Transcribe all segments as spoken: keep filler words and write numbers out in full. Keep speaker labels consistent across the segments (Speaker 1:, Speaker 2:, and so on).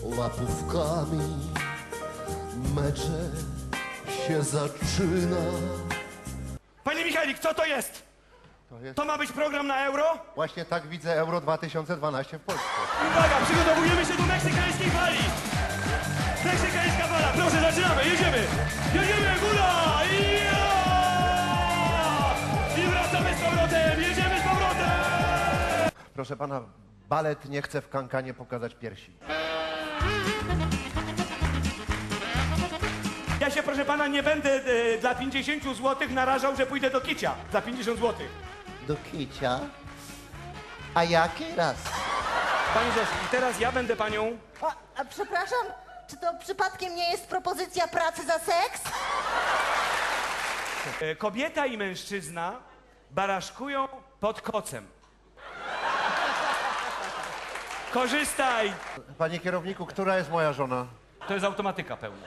Speaker 1: łapówkami mecze się zaczyna.
Speaker 2: Panie Michalik, co to jest?
Speaker 1: To jest
Speaker 2: To ma być program na euro?
Speaker 1: właśnie tak widzę Euro dwa tysiące dwanaście w Polsce.
Speaker 2: Uwaga, przygotowujemy się do meksykańskiej fali! Meksykańska fala, proszę, zaczynamy, jedziemy! Jedziemy, góra! Ja! I wracamy z powrotem, jedziemy z powrotem!
Speaker 1: Proszę pana, balet nie chce w kankanie pokazać piersi.
Speaker 2: Ja się, proszę pana, nie będę e, dla pięćdziesięciu złotych narażał, że pójdę do kicia za pięćdziesiąt złotych.
Speaker 1: Do kicia? A jaki raz?
Speaker 2: Pani Zosiu, i teraz ja będę panią...
Speaker 3: A, a przepraszam, czy to przypadkiem nie jest propozycja pracy za seks?
Speaker 2: E, kobieta i mężczyzna baraszkują pod kocem. Korzystaj!
Speaker 1: Panie kierowniku, która jest moja żona?
Speaker 2: To jest automatyka pełna.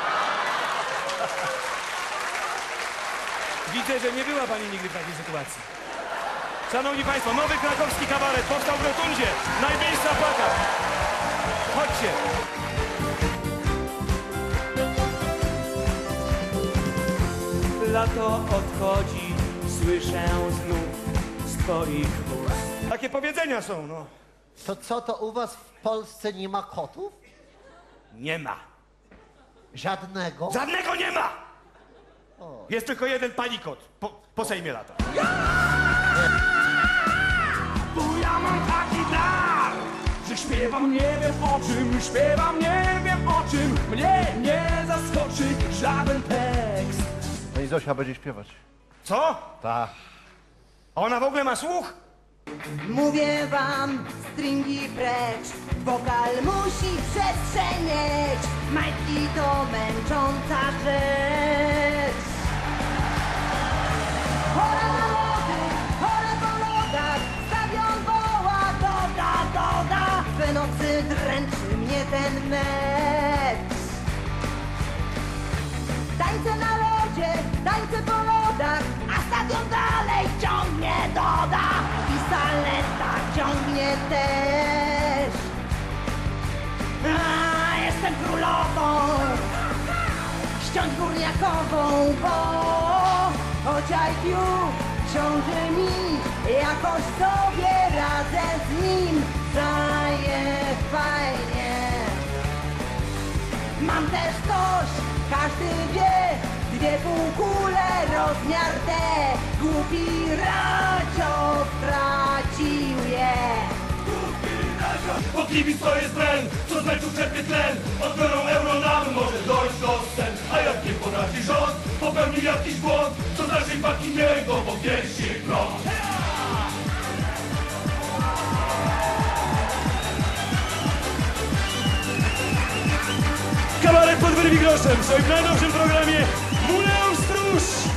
Speaker 2: Widzę, że nie była pani nigdy w takiej sytuacji. Szanowni państwo, nowy krakowski kabaret powstał w Rotundzie. Najbliższa plakat. Chodźcie. Lato odchodzi, słyszę znów z twoich ust. Takie powiedzenia są, no.
Speaker 1: To co, to u was w Polsce nie ma kotów?
Speaker 2: Nie ma.
Speaker 1: Żadnego?
Speaker 2: Żadnego nie ma! Jest tylko jeden panikot. Po, po Sejmie lata.
Speaker 4: Bo ja mam taki dar, że śpiewam nie wiem o czym, śpiewam nie wiem o czym, mnie nie zaskoczy żaden tekst.
Speaker 1: Pani Zosia będzie śpiewać.
Speaker 2: Co?
Speaker 1: Tak.
Speaker 2: A ona w ogóle ma słuch?
Speaker 3: Mówię wam, stringi precz, wokal musi przestrzeń mieć. Majtki to męcząca rzecz. Chora na lody, chore po lodach, stadion woła, doda, doda. We nocy dręczy mnie ten mecz. Tańce na lodzie, tańce po lodach, a stadion dalej ciągnie, doda. I saleta ciągnie też. A, jestem królową, ściąć górniakową, bo choć I Q ciąży mi, jakoś sobie radzę z nim. Daje fajnie. Mam też coś, każdy wie, dwie półkule, rozmiar D. Głupi Racio stracił je.
Speaker 4: Bo kibic to jest tlen, co z meczu czerpie tlen. Odbiorą euro nam może dojść do scen. A jak nie potrafi rząd, popełnił jakiś błąd, to z naszej paki niego po piersi prąd.
Speaker 2: Kabaret pod Werwigroszem w swoim najnowszym programie Muleum Stróż!